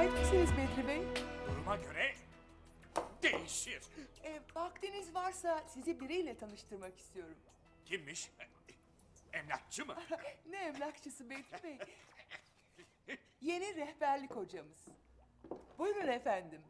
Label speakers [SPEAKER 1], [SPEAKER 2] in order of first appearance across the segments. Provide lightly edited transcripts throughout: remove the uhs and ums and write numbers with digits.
[SPEAKER 1] Müsait misiniz Bedri Bey?
[SPEAKER 2] Duruma göre değişir.
[SPEAKER 1] Vaktiniz varsa sizi biriyle tanıştırmak istiyorum.
[SPEAKER 2] Kimmiş? Emlakçı mı?
[SPEAKER 1] Ne emlakçısı Bedri Bey? Yeni rehberlik hocamız. Buyurun efendim.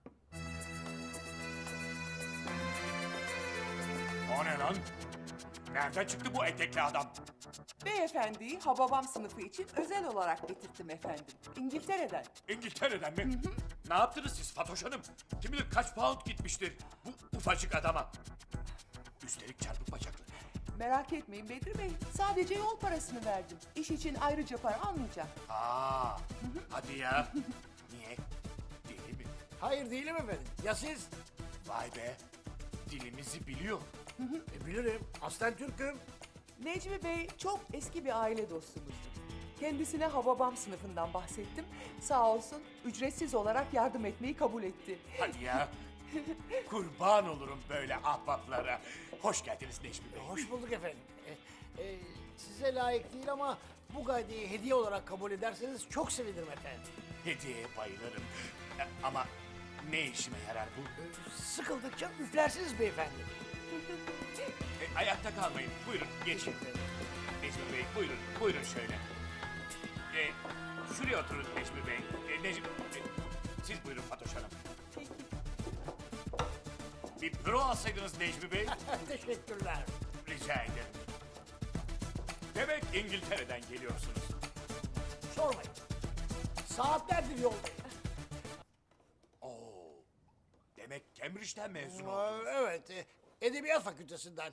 [SPEAKER 2] O ne lan? Nereden çıktı bu etekli adam?
[SPEAKER 1] Beyefendiyi Hababam sınıfı için özel olarak getirttim efendim. İngiltere'den.
[SPEAKER 2] İngiltere'den mi? Ne yaptınız siz Fatoş Hanım? Kim bilir kaç pound gitmiştir bu ufacık adama. Üstelik çarpık bacaklı.
[SPEAKER 1] Merak etmeyin Bedri Bey. Sadece yol parasını verdim. İş için ayrıca para almayacağım.
[SPEAKER 2] Aa, hadi ya. Niye? Deli mi?
[SPEAKER 3] Hayır değilim efendim. Ya siz?
[SPEAKER 2] Vay be. Dilimizi biliyor.
[SPEAKER 3] Bilirim. Aslen Türk'üm.
[SPEAKER 1] Necmi Bey çok eski bir aile dostumuzdur. Kendisine Hababam sınıfından bahsettim. Sağ olsun ücretsiz olarak yardım etmeyi kabul etti.
[SPEAKER 2] Hadi ya. Kurban olurum böyle ahbaplara. Hoş geldiniz Necmi Bey.
[SPEAKER 3] Hoş bulduk efendim. Size layık değil ama bu gaydeyi hediye olarak kabul ederseniz çok sevinirim efendim.
[SPEAKER 2] Hediyeye bayılırım. Ama ne işime yarar bu?
[SPEAKER 3] Sıkıldıkça üflersiniz beyefendi.
[SPEAKER 2] Ayakta kalmayın. Buyurun geçin. Necmi Bey buyurun. Buyurun şöyle. Şuraya oturun Necmi Bey. Siz buyurun Fatoş Hanım. Bir büro alsaydınız Necmi Bey.
[SPEAKER 3] Teşekkürler.
[SPEAKER 2] Rica ederim. Demek İngiltere'den geliyorsunuz.
[SPEAKER 3] Sormayın. Saatlerdir yoldayım.
[SPEAKER 2] Oo. Demek Cambridge'den mezun oldunuz.
[SPEAKER 3] Evet. Edebiyat Fakültesinden.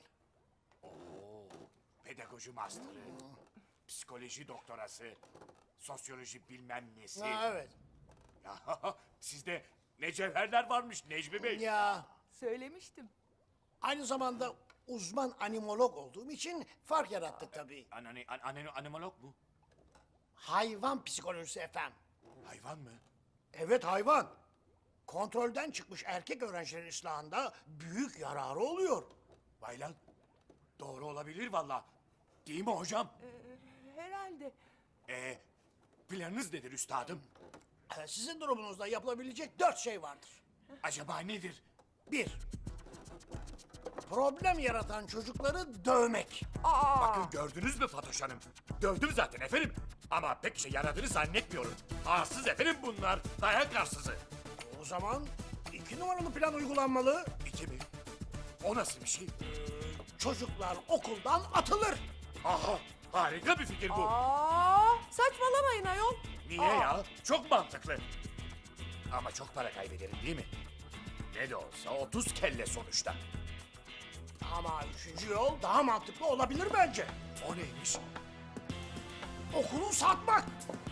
[SPEAKER 2] Pedagoji master'ı, psikoloji doktorası, sosyoloji bilmem nesi.
[SPEAKER 3] Evet.
[SPEAKER 2] Ya, sizde ne cevherler varmış Necmi Bey.
[SPEAKER 3] Ya
[SPEAKER 1] Söylemiştim.
[SPEAKER 3] aynı zamanda uzman animolog olduğum için fark yarattık tabii.
[SPEAKER 2] Animolog mu?
[SPEAKER 3] Hayvan psikolojisi efendim.
[SPEAKER 2] Hayvan mı?
[SPEAKER 3] Evet hayvan. Kontrolden çıkmış erkek öğrencilerin ıslahında büyük yararı oluyor.
[SPEAKER 2] Vay lan. Doğru olabilir valla. Değil mi hocam?
[SPEAKER 1] Herhalde.
[SPEAKER 2] Planınız nedir üstadım?
[SPEAKER 3] Sizin durumunuzda yapılabilecek 4 şey vardır.
[SPEAKER 2] Acaba nedir?
[SPEAKER 3] 1. Problem yaratan çocukları dövmek.
[SPEAKER 2] Bakın gördünüz mü Fatoş Hanım? Dövdüm zaten efendim. Ama pek işe yaradığını zannetmiyorum. Arsız efendim bunlar. Dayak arsızı.
[SPEAKER 3] O zaman 2 numaralı plan uygulanmalı.
[SPEAKER 2] 2 mi? O nasıl bir şey?
[SPEAKER 3] Çocuklar okuldan atılır.
[SPEAKER 2] Aha, harika bir fikir bu.
[SPEAKER 1] Saçmalamayın ayol.
[SPEAKER 2] Niye ya? Çok mantıklı. Ama çok para kaybederim değil mi? Ne de olsa 30 kelle sonuçta.
[SPEAKER 3] Ama 3. yol daha mantıklı olabilir bence.
[SPEAKER 2] O neymiş?
[SPEAKER 3] Okulu satmak.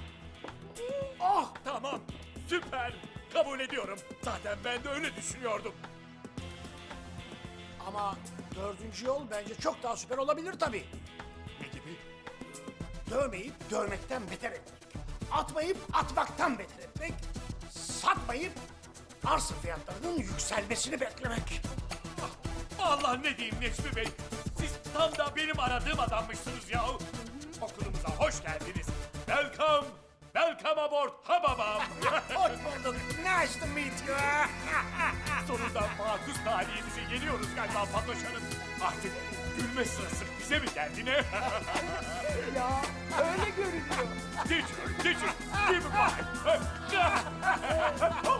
[SPEAKER 2] Tamam, süper. Kabul ediyorum. Zaten ben de öyle düşünüyordum.
[SPEAKER 3] Ama 4. yol bence çok daha süper olabilir tabii.
[SPEAKER 2] Ne gibi?
[SPEAKER 3] Dövmeyip dövmekten beter etmek. Atmayıp atmaktan beter etmek. Satmayıp arsa fiyatlarının yükselmesini beklemek.
[SPEAKER 2] Allah ne diyeyim Necmi Bey. Siz tam da benim aradığım adammışsınız ya. Okulumuza hoş geldiniz. Welcome. Welcome aboard Hababam.
[SPEAKER 3] Hoş bulduk. Nice to meet you.
[SPEAKER 2] Sonunda makus talihimize geliyoruz galiba Fatoş Hanım. Artık gülme sırası bize mi geldi ne?
[SPEAKER 1] Ya öyle görünüyor.
[SPEAKER 2] Teacher, give me five.